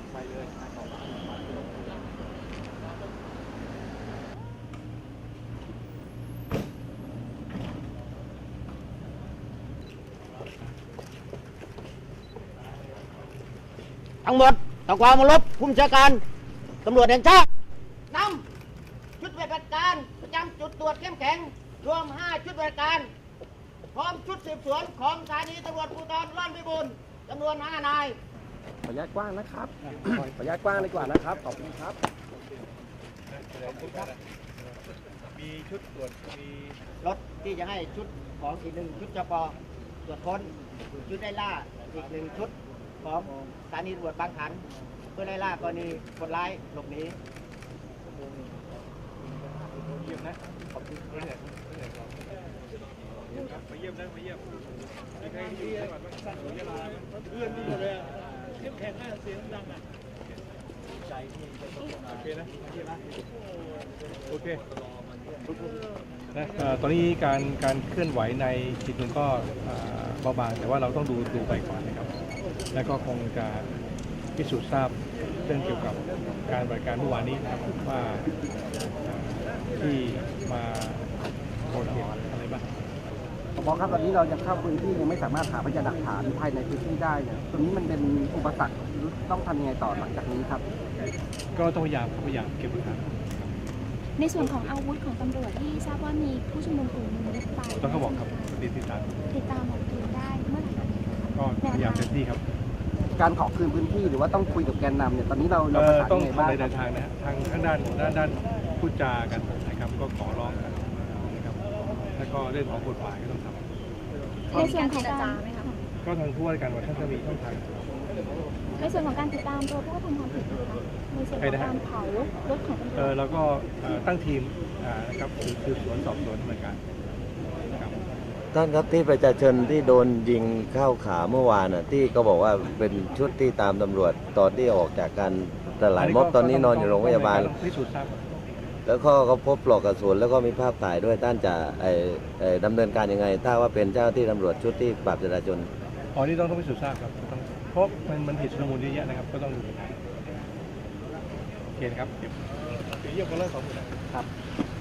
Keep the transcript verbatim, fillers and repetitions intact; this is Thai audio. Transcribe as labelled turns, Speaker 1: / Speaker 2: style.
Speaker 1: ไปเลย
Speaker 2: ทั้งหมดต้องความเคารพผู้บัญชาการตำรวจแห่งชาตินำชุดปฏิบัติการประจำจุดตรวจเข้มแข็งรวมห้าชุดปฏิบัติการพร้อมชุดสืบสวนของสถานีตำรวจภูธรร่อนพิบูลจำนวนห้านาย
Speaker 3: ขออนุญาตกว้างนะครับ ขออนุญาตกว้างดีกว่านะครับ ขอบคุณครับ
Speaker 1: มีชุดตรวจมี
Speaker 2: รถที่จะให้ชุดของอีกหนึ่งชุดจปตรวจค้นชุดไล่ล่าอีกหนึ่งชุดของสถานีตำรวจบางขันเพื่อไล่ล่ากรณีคนร้ายหลบหนี
Speaker 1: เยี่ยมนะขอบคุณไม่เหนื่อยไม่เหนื่อยครับมาเยี่ยมนะมาเยี่ยมมีใครที่จังหวัดบ้างสั้นหรือยะลาเพื่อนที่หมดเลยเข้มแข็งมากเสียงดังอ่ะใจที่โอเคนะเยี่ยมนะโอเคนะตอนนี้การการเคลื่อนไหวในจิตมันก็เบาบางแต่ว่าเราต้องดูดูไปก่อนนะครับแล้วก็คงจะพิสูจน์ทราบเรื่องเกี่ยวกับการบริการเมื่อวานนี้นะครับว่าที่มาโกรธเหตุอะไรบ้าง
Speaker 3: ผบ.ครับตอนนี้เรายังเข้าพื้นที่ยังไม่สามารถหาพยานหลักฐานภายในพื้นที่ได้เนี่ยตรงนี้มันเป็นอุปสรรคต้องทำยังไงต่อหลังจากนี้ครับ
Speaker 1: ก็ต้องพยายามพยายามเก็บหลักฐาน
Speaker 4: ในส่วนของอาวุธของตำรวจที่ทราบว่ามีผู้ชุมนุมกลุ่มหนึงยึดไป
Speaker 1: ต้องเขาบอกครับติดตาม
Speaker 4: ติดตามหมดคืนได้เมื่อไหร่คะ
Speaker 1: ก็พยายามเต็มที่ครับ
Speaker 3: การขอคืนพื้นที่หรือว่าต้องคุยกับแกนนำเนี่ยตอนนี้เราเรา
Speaker 1: เอ่
Speaker 3: ประ
Speaker 1: อ
Speaker 3: สาน
Speaker 1: ต้อง
Speaker 3: ยังไง
Speaker 1: ทำ
Speaker 3: บ้าง
Speaker 1: ใน
Speaker 3: ค
Speaker 1: เดิ
Speaker 3: รับ
Speaker 1: นทางนะฮะทางทางด้านด้านด้านพูดจากันนะครับก็ขอร้องกันนะครับแล้วก็เรื่องของกฎหมายก็ต้องทำ
Speaker 4: ในส่วนของการ
Speaker 1: ก็ทางทั่วกันว่าท่านจะมีช่องทาง
Speaker 4: ในส่วนของการติดตามตัวผู้กระทำความผิดนะคะในส่วนของการเผารถของตำร
Speaker 1: เอ
Speaker 4: ว
Speaker 1: อ
Speaker 4: จ
Speaker 1: เราก็เอ่อตั้งทีมอ่านะครับคือคือสวนสอบสวนเหมือนกันนะครับ
Speaker 5: ท่านครับที่ประชาชนที่โดนยิงเข้าขาเมื่อวานน่ะที่ก็บอกว่าเป็นชุดที่ตามตำรวจตอนที่ออกจากการตลาดม็อบตอนนี้นอนอยู่โรงพยาบาล
Speaker 1: พิสูจน์ทราบ
Speaker 5: แล้วก็ก็พบปลอกกระสุนแล้วก็มีภาพถ่ายด้วยท่านจะไอ้ไอ้ดำเนินการยังไง ถ้าว่าเป็นเจ้าหน้าที่ตำรวจชุดที่ปราบจราจร
Speaker 1: อ๋อนี่ต้องต้องพิสูจน์ทราบครับต้องเพราะมันมันเหตุชุลมุนเยอะแยะนะครับก็ต้องดูโอเคนะครับเดี๋ยวเดี๋ยวเยี่ยมกันเลยสองคนนะครับ